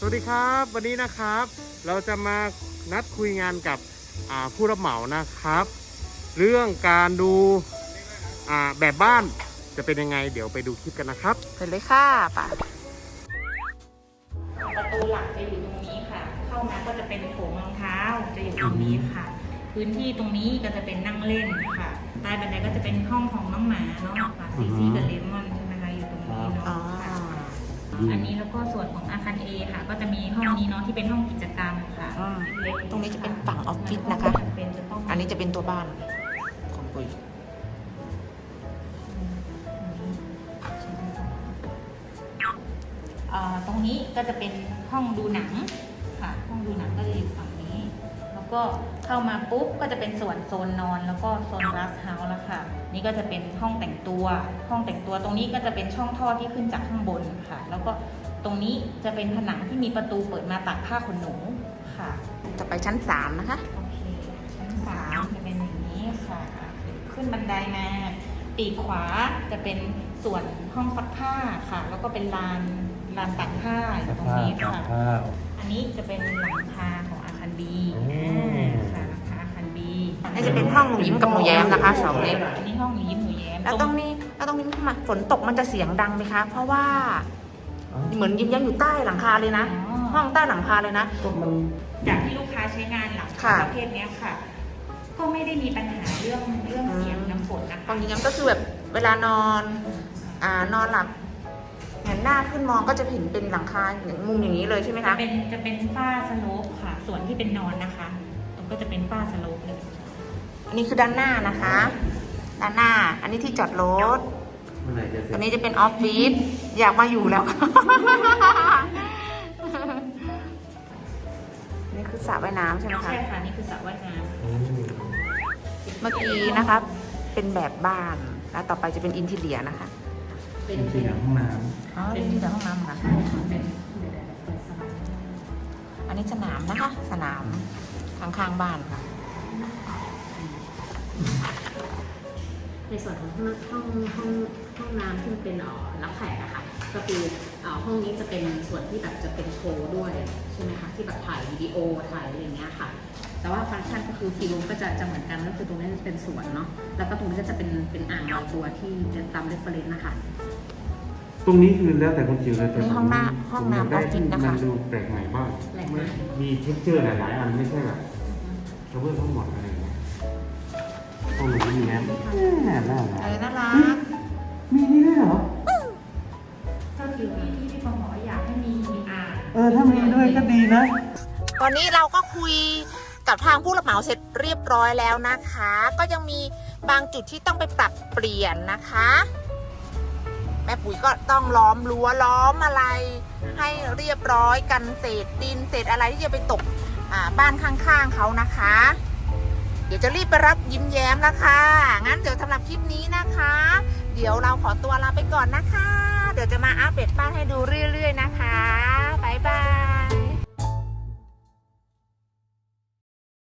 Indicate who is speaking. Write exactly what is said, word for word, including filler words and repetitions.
Speaker 1: วัสดีครับวันนี้นะครับเราจะมานัดคุยงานกับผู้รับเหมานะครับเรื่องการดูแบบบ้านจะเป็นยังไงเดี๋ยวไปดูคลิปกันนะครับ
Speaker 2: ไปเลยค่ะป่ะ
Speaker 3: ประตูหลักจะอยู่ตรงนี้ค่ะเข้ามาก็จะเป็นโถงรองเท้าจะอยู่ตรงนี้ค่ะพื้นที่ตรงนี้ก็จะเป็นนั่งเล่นค่ะใต้บันไดก็จะเป็นห้องของน้องหมาเนาะค่ะซีซีกับเลมอนใช่ไหมคะอยู่ตรงนี้เนาะอันนี้แล้วก็ส่วนของอาคาร A ค่ะก็จะมีห้องนี้เนาะที่เป็นห้องกิจกรรมค่ะ
Speaker 2: ตรงนี้จะเป็นฝั่งออฟฟิศนะคะอันนี้จะเป็นตัวบ้านของปุ้ย
Speaker 3: ตรงนี้ก็จะเป็นห้องดูหนังค่ะห้องดูหนังก็จะอยู่ฝั่งนี้แล้วก็เข้ามาปุ๊บก็จะเป็นส่วนโซนนอนแล้วก็โซนรัสเฮาส์แล้วค่ะนี่ก็จะเป็นห้องแต่งตัวห้องแต่งตัวตรงนี้ก็จะเป็นช่องท่อที่ขึ้นจากข้างบนค่ะแล้วก็ตรงนี้จะเป็นผนังที่มีประตูเปิดมาตากผ้าขนหนูค่ะ
Speaker 2: จะไปชั้นสามนะคะ
Speaker 3: โอเคชั้นสามจะเป็นอย่างนี้ค่ะขึ้นบันไดมาปีกขวาจะเป็นส่วนห้องซักผ้าค่ะแล้วก็เป็นลานลานตากผ้าอยู่ตรงนี้ค่ะอันนี้จะเป็นหลังคาของอาคารบีค่ะหลังคาอาคารบี
Speaker 2: นี่จะเป็นห้องหนูยิ้มกับหนูแย้มนะคะสองเล่ม
Speaker 3: อันนี้ห้องหนูยิ้มหนูแย้ม
Speaker 2: แล้วตรงนี้แล้วตรงนี้มาฝนตกมันจะเสียงดังไหมคะเพราะว่าเหมือนยิ้มแย้มอยู่ใต้หลังคาเลยนะห้องใต้หลังคาเลยนะ
Speaker 3: จากที่ลูกค้าใช้งานหลังคาประเภทนี้ค่ะก็ไม่ได้มีปัญหาเรื่องเรื่องเสียงน้ำฝนนะคะ
Speaker 2: ห้องยิ้มแย้มก็คือแบบเวลานอนอ่านอนหลับเห็นหน้าขึ้นมองก็จะเห็นเป็นหลังคาอย่างมุมอย่างนี้เลยใช่ไหมคะ
Speaker 3: เป็นจะเป็นฝ้าสโลปค่ะส่วนที่เป็นนอนนะคะตรงก็จะเป็นฝ้าสโลปเลย
Speaker 2: อันนี้คือด้านหน้านะคะด้านหน้าอันนี้ที่จอดรถอันนี้จะเป็นออฟฟิศอยากมาอยู่แล้วนี่คือสระว่ายน้ำใช่ไหมคะ
Speaker 3: ใช่ค่ะนี่คือสระว่ายน้
Speaker 2: ำเมื่อกี้นะคะเป็นแบบบ้านแล้วต่อไปจะเป็นอินทีเรียนะคะ
Speaker 4: เป็นที่หลังห้องน้ำ
Speaker 2: อ๋อเป็นที่หลังห้องน้ำค่ะอันนี้สนามนะคะสนามข้างๆบ้านค่ะ
Speaker 5: ในส่วนของห้องห้องห้องห้องน้ำที่มันเป็นรับแขกอะค่ะก็คือห้องนี้จะเป็นส่วนที่แบบจะเป็นโชว์ด้วยใช่ไหมคะที่แบบถ่ายวิดีโอถ่ายอะไรอย่างเงี้ยค่ะแต่ว่าฟังก์ชันก็คือฟีรูมก็จะจะเหมือนกันก็คือตรงนี้จะเป็นสวนเนาะแล้วก็ตรงนี้ก็จะเป็นเป็นอ่างลอยตัวที่จะตามเรฟเฟรนซ์นะคะ
Speaker 4: ตรงนี้คือแล้วแต่คนจิ๋วเลยแต่
Speaker 2: นี่ห้องน้ำห้องน้ำออฟฟิศนะคะ
Speaker 4: มันดูแปลกใหม่บ้างมีเท็กเจอร์หลายๆอันไม่ใช่แบบกระเบื้องทั้งหมดอะไรอย่างเงี้ยห้องหนูมีแง้มน่ารัก
Speaker 2: อะไรน่ารัก
Speaker 4: มีนี่ด้วยเหรอ
Speaker 3: ก็คือที่ที่พี่ปองบอกอยากให้มีอ่าง
Speaker 4: เออถ้ามีด้วยก็ดีนะ
Speaker 2: ตอนนี้เราก็คุยกับทางผู้รับเหมาเสร็จเรียบร้อยแล้วนะคะก็ยังมีบางจุดที่ต้องไปปรับเปลี่ยนนะคะแม่ปุ๋ยก็ต้องล้อมรั้วล้อมอะไรให้เรียบร้อยกันเศษดินเศษอะไรที่จะไปตกบ้านข้างๆเขานะคะเดี๋ยวจะรีบไปรับยิ้มแย้มแล้วค่ะงั้นเดี๋ยวสำหรับคลิปนี้นะคะเดี๋ยวเราขอตัวลาไปก่อนนะคะเดี๋ยวจะมาอัปเดตบ้านให้ดูเรื่อยๆนะคะบ๊ายบาย